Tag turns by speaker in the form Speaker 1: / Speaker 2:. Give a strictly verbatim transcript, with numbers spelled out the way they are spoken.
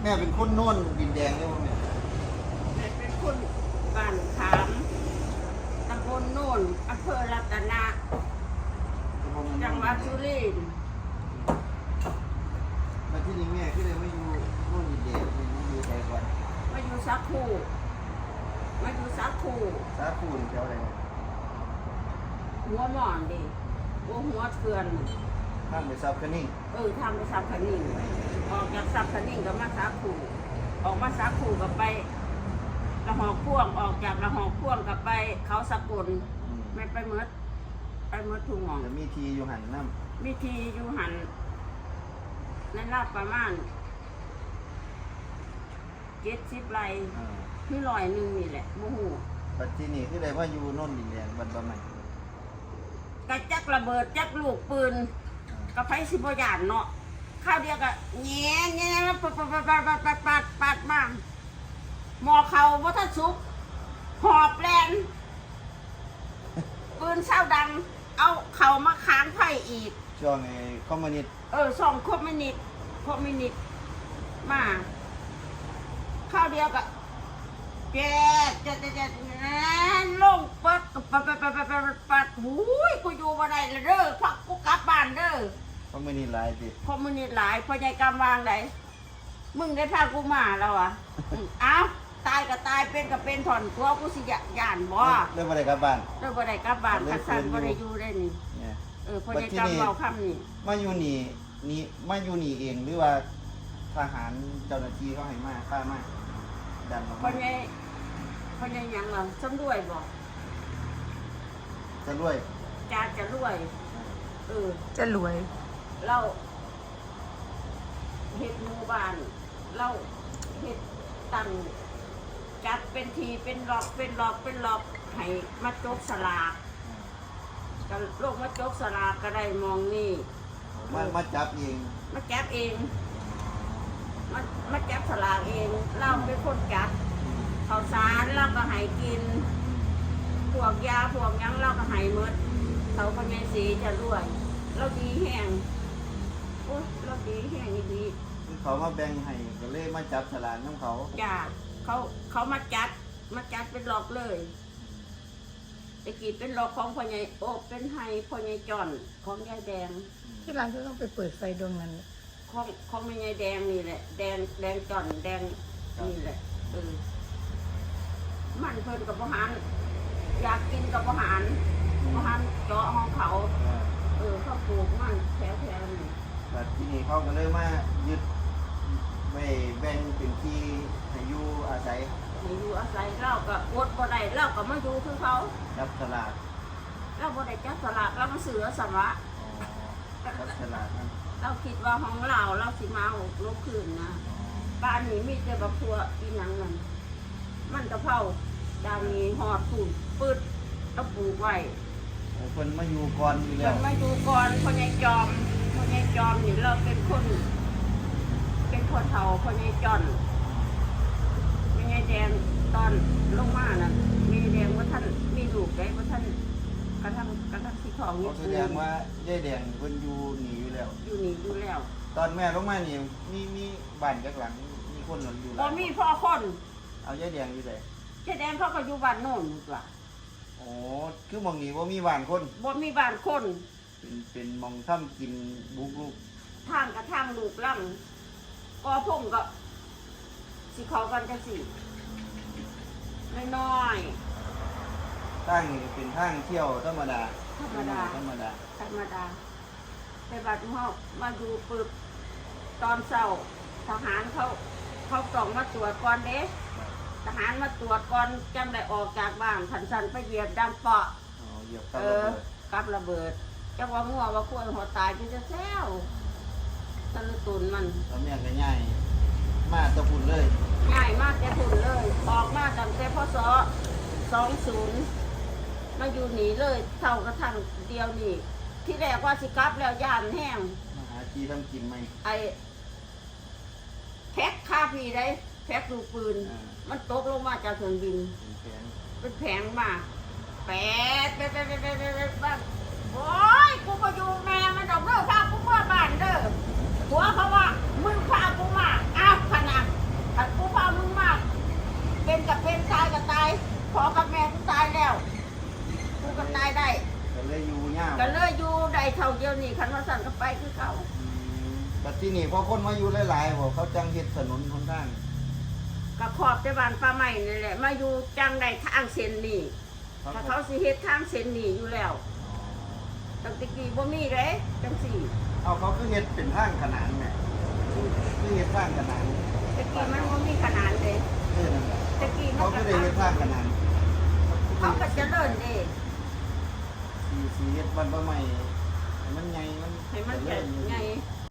Speaker 1: ม่เป็นคนโน่นดินแดงใช่ไหมแม่
Speaker 2: แม่เป็นคนบ้านขามตำบลโน่นอำเภอรัตนะจังหวัดสุรินทร์
Speaker 1: มาที่นี่แม่ก็เลยไม่อยู่โน่นดินแดงไม่อยู่ใจก่อน
Speaker 2: มาอยู่สักคู่มาอยู่สักคู่
Speaker 1: สาคูนี่แถวอะไรเนี่ย
Speaker 2: หัวหมอนดิหัวหัวเถื่อน
Speaker 1: ข้ามไปซับคันนิ่ง
Speaker 2: เออทำไปซับคันนิ่งออกจากซับคันนิ่งก็มาสักคู่ออกมาสักคู่ก็ไปละหอกพ่วงออกจากละหอกพ่วงก็ไปเขาสกุลไม่ไปเมืดไปเมืดทุ่งหมอง
Speaker 1: จะมีทีอยู่หันน้
Speaker 2: ำมีทีอยู่หันในลาดประมาณเจ็ดสิบไร่ที่ลอยหนึ่งนี่แหละโมโห
Speaker 1: ปัจจุบันที่ได้ว่าอยู่โน่นดินแดงบันบะใหม่
Speaker 2: กระจักระเบิดจักลูกปืนกระไฟสิบยานเนาะข้าวเดียวก็แง่แง่ปัดปัดปัดปัดปัดปัดปัดมาหมอเขาวัฒสุกหอบแลนปืนเศร้าดังเอาเข่ามาค้างไผ่อีก
Speaker 1: ช่วงไอ้คอมมิวนิสต์
Speaker 2: เออสองคอมมิวนิสต์คอมมิวนิสต์มาข้าวเดียวก็แจ๊ดแจ๊ดแจ๊ดลงปัดปัดปัดปัดปัดปัดปัดหูยกูอยู่มาได้เลยเด้อพักกูกลับบ้านเด้อ
Speaker 1: คอมมิวนิสต์หลายสิ
Speaker 2: คอมมิวนิสต์หลายพอใจกำวางไหนมึงได้พากูมาแล้วอ่ะเอ้าตายก็ตายเป็นก็เป็นถอนตัวกูสิยานบ่
Speaker 1: เรื่องอะไรกลับบ้าน
Speaker 2: เรื่องอะไรกลับบ้านขัดสันบ่ได้อยู่ได้นี่เออพอใจกำเบาคำนี่
Speaker 1: มาอยู่นี่นี่มาอยู่นี่เองหรือว่าทหารเจ้าหน้าที่เขาให้มาฆ่ามาดันมา
Speaker 2: พอใจพอใจยังเราซ้ำรวยบ่
Speaker 1: จะรวย
Speaker 2: จะจะรวยเออ
Speaker 3: จะรวย
Speaker 2: เราเฮ็ดหมู่บ้านเราเฮ็ดตั้งจัดเป็นทีเป็นหลอกเป็นหลอกเป็นหลอกให้มาจกสลากก็โลกมาจกสลากก็ได้มองนี่
Speaker 1: มามาจับเอง
Speaker 2: มาจับเองมามาจับสลากเองเราเป็นคนจัดข้าวสารเราก็ให้กินพวกยาพวกยังเราก็ให้หมดเขาพญาสีจะรวยเราดีแห้งโอ้เราดีแห้งดี
Speaker 1: เขามาแบ่งให้ก็เลยมาจับสลากน้ำเขา
Speaker 2: จ้าเขาเขามาจัดมาจัดเป็นหลอกเลยตะกี้เป็นหลอกของพ่อใหญ่โอ้เป็นไฮพ่อใหญ่จอนของยายแดง
Speaker 3: ที่ร้านก็ต้องไปเปิดไฟดวงนั้น
Speaker 2: ของของแม่ยายแดงนี่แหละแดงแดงจอนแดงนี่แหละเออมันเพิ่นกับพ่อหานอยากกินกับพ่อหานพ่อหานเจาะห้องเขาเออเขาปลูกมันแถวแถวนี่
Speaker 1: แต่ที่นี่เขาก็เลยมายึดไปแบ่งเป็นที่ให้อยู่อาศัย
Speaker 2: ให้อยู่อาศัยเราก็อดบ่ได้เราก็มาอยู่คือเขา
Speaker 1: จับสลาก
Speaker 2: เราบ่ได้จับสลากเรามาซื้อสวะ
Speaker 1: จับสลากนั่น
Speaker 2: เราคิดว่าห้องเราเราสิมาเอาลบคืนนะบ้านนี้มีแต่บักทัวอีหยังนั่นมันกะเพราดาวนี้หอดผูดปืดเราปลูกไว้
Speaker 1: คนมาอยู่ก่อนอยู่แล้ว
Speaker 2: คนมาอยู่ก่อนคนใหญ่จอมคนใหญ่จอมนี่เราเป็นคนเป็นคนเฒ่าคนใหญ่จอนคนใหญ่แดงตอนลงมาน่ะมีแดงว่าท่านมีลูกได้ว่าท่านกระทั่งกระทั่งที่ท้อง
Speaker 1: นี่แสดงว่ายายแดงคนอยู่หนีอยู่แล้ว
Speaker 2: อยู่หนีอยู่แล้ว
Speaker 1: ตอนแม่ลงมานี่มีมีบ้านจักหลังมีคนอยู่
Speaker 2: แล้วมีพ่อคน
Speaker 1: เอายายแดงอยู่ไหน
Speaker 2: ยายแดงเขาก็อยู่บ้านโน่นดีกว่า
Speaker 1: โอ้คือมองนี่ว่ามีบ้านคน
Speaker 2: บ่มีบ้านคน
Speaker 1: เป็นเป็นมองถ้ำกินบุกลูก
Speaker 2: ทางกระทางลูกล่ำก็พงก็สิเขากันจะสิน้อย
Speaker 1: ๆตั้งนี่เป็นทางเที่ยวธรรมดา
Speaker 2: ธรรมดา
Speaker 1: ธรรมดา
Speaker 2: ธรรมดาไปบัดห้องมาดูปึ๊บตอนเช้าทหารเขาเขาต้องมาตรวจก่อนเด้ทหารมาตรวจก่อนจำได้ออกจากบ้านขันสันไปเหยียบดังเปาะ
Speaker 1: เออ
Speaker 2: กับระเบิดจะว่างัวว่าควรหัวตายจะแซวตะลุตุนมัน
Speaker 1: ตอนนี้ก็ง่ายมาตะพุ่นเลย
Speaker 2: ง่ายมากแต่พุ่นเลยออกมาตั้งแต่พศสองศูนย์มาอยู่หนีเลยเท่ากระทั่งเดียวนี่ที่แรกว่าสิกับแล้วย่านแห้ง
Speaker 1: มาหาจีทำกินไหม
Speaker 2: ไอแพ็คคาพีได้แพ็คลูกปืนมันตกลงมาจากเครื่องบินเป็นแผงมาแปดแปดแปดแปดแปดแปดบ้างโอ้ยกูก็อยู่แม่มันดอกเด้อพากูเมื่อบ้านเด้อหัวเขาว่ามึงพากูมาอ้าวขนาด
Speaker 1: ยาว
Speaker 2: ก็เลยอยู่ได้เท่าเดียวนี่คันว่าสั่นก็ไปคือเขา
Speaker 1: แต่ที่นี่พอคนมาอยู่หลายๆบอกเขาจังเฮ็ดถนนคนทาง
Speaker 2: ก็ขอบแต่บ้านป้าใหม่นี่แหละมาอยู่จังได้ทางเส้นนี้ถ้าเขาสิเฮ็ดทางเส้นนี้อยู่แล้วตั้งแต่กี้บ่มีเด้จังสี่
Speaker 1: เอาเขาคือเฮ็ดเป็นทางขนานแม่คือเฮ็ดทางขนาน
Speaker 2: ตะกี้มันบ่มีขนาดเลย
Speaker 1: เออนั่นแหละ
Speaker 2: ตะกี้มั
Speaker 1: เขา
Speaker 2: น
Speaker 1: ก็
Speaker 2: ก็
Speaker 1: ได้เฮ็ดทางขนาน
Speaker 2: เขาก็เจะเดินเด้
Speaker 1: สีสีเฮ็ดบ้านบ่ใหม่ให้มันใหญ่มัน
Speaker 2: ให้มัน
Speaker 1: เจ
Speaker 2: ใหญ่
Speaker 1: ริญอยู่
Speaker 2: ใหญ่